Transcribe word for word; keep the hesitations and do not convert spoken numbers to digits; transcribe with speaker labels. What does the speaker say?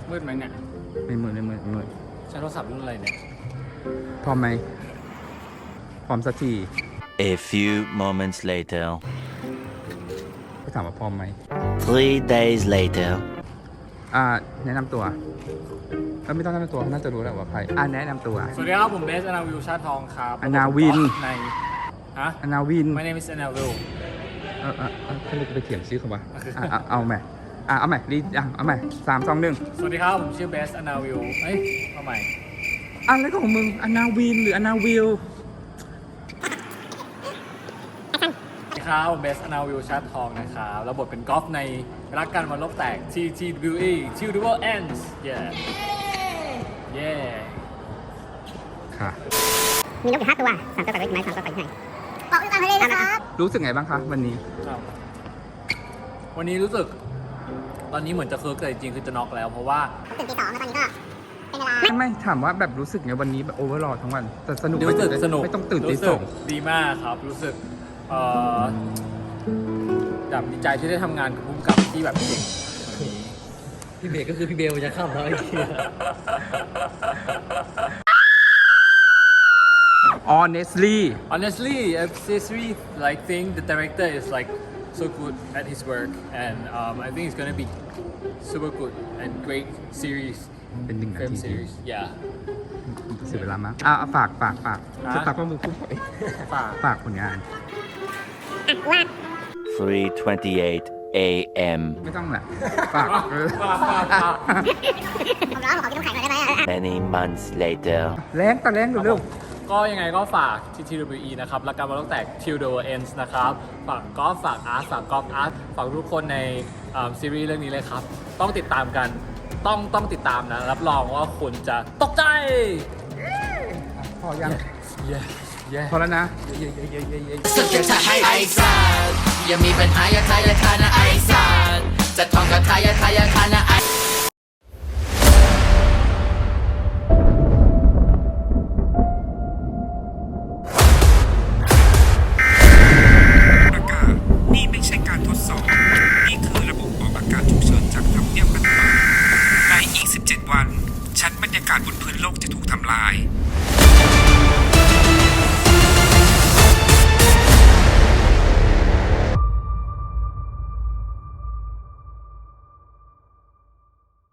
Speaker 1: มืดไหมเนี่ย
Speaker 2: ไม่มืดไม่มืดไม่มืด
Speaker 1: ใช้โทรศัพท์รุ่นอะไรเนี่ย
Speaker 2: พร้อมไหมพร้อมสักที
Speaker 3: A few moments later
Speaker 2: ก็ถามว่าพร้อมไหม
Speaker 3: Three days later
Speaker 2: อ่าแนะนำตัวก็ไม่ต้องแนะนำตัวเขาน่าจะรู้แหละว่าใครอ่าแนะนำตัว
Speaker 1: สวัสดีครับผมเบสอนาวิวชาทองครับ
Speaker 2: อนาวิน
Speaker 1: ในฮะ
Speaker 2: อนาวิน
Speaker 1: My name is อนาวิว
Speaker 2: เออเออเออเขาเลยไปเถียงชื่อเขาวะอ่ะเอาเอาใหม่อ่ะเอาใหม่รีอ่ะเอาใหม่สามสองหนึ่ง
Speaker 1: สวัสดีครับผมชื่อเบสอนาวิวเอ้ยเอาใหม่
Speaker 2: อะไรของมึงอนาวินหรืออนาวิว
Speaker 1: สวัสดีครับผมเบสอนาวิวชาทองนะครับแล้วบทเป็นกอล์ฟในรักกันวันโลกแตก T T W E Till the World Ends yeah yeah
Speaker 2: ค่ะ
Speaker 4: มีนกอยู่ห้าตัวสามตัวปล่อยไว้ที่ไหนสามตัวปล่อยที่ไหนเกาะอยู่กลางทะเลเลยครับ
Speaker 2: รู้สึกไงบ้างคะวันนี้
Speaker 1: ครับวันนี้รู้สึกตอนนี้เหมือนจะเคิร์กแต่จริงๆคือจะน็อกแล้วเพราะว่า
Speaker 4: ตื่นตีสองแล้วตอนนี้ก็เป็นเวลา
Speaker 2: ไม่ไม่ถามว่าแบบรู้สึกไงวันนี้แบบโอเวอร์ลทั้งวันแต่สนุก
Speaker 1: รู้สึก
Speaker 2: ไหม
Speaker 1: สนุก
Speaker 2: ไม่ต้องตื่นตี
Speaker 1: รู้
Speaker 2: ส
Speaker 1: สึ
Speaker 2: อก ง
Speaker 1: ดีมากครับ รู้สึกเอ่อแบบดีใจที่ได้ทำงานกับผู้กำกับที่แบบเก่งแบบนี้
Speaker 5: พี่เบสก็คือพี่เบลจะเข้าแล้วไอ้เหี้ย
Speaker 2: honestly
Speaker 1: honestly I seriously like think the director is like so good at his work and um, I think it's gonna be super good and great series
Speaker 2: เป็นหนึ่งนา
Speaker 1: film
Speaker 2: ทีที่
Speaker 1: series yeah
Speaker 2: เสียเวลามากอ่ะเอาฝากฝากฝาก
Speaker 1: ฮะ
Speaker 2: จะตักว่ามึงพูดไป
Speaker 1: ฝาก
Speaker 2: ฝากผลงาน
Speaker 3: three twenty-eight a.m.
Speaker 2: ไม่ต้องแหละฝากเออ
Speaker 1: ฝากฝากฝาก
Speaker 4: ผมร้อนผมขอกินน้ำแข็งหน่อยได้ไหม
Speaker 3: Many months later
Speaker 2: แรงแต่แรงเร็ว
Speaker 1: ก็ยังไงก็ฝาก ที ที ดับเบิลยู อี นะครับและการมาตั้งแต่ Till the World Ends นะครับ ฝากกอล์ฟฝากอาร์ตฝากกอล์ฟอาร์ตฝากทุกคนในอ่าซีรีส์เรื่องนี้เลยครับ ต้องติดตามกัน ต้องต้องติดตามนะ รับรองว่าคุณจะตกใจ
Speaker 2: ๆพอยัง
Speaker 1: เย้เย้
Speaker 2: พอแล้วนะ
Speaker 1: เย้เย้เย้เย้เย้
Speaker 6: สุดจะทำให้ไอ้สัสอย่ามีปัญหาอย่าทายอย่าทานะไอ้สัสจะท่องกับทายอย่าทายอย่าทานะไอ้
Speaker 7: ประกาศนี่ไม่ใช่การทดสอบ นี่คือระบบออกอากาศฉุกเฉินจากทำเนียบรัฐบาลในอีก สิบเจ็ด วัน ชั้นบรรยากาศบนพื้นโลกจะถูกทำลาย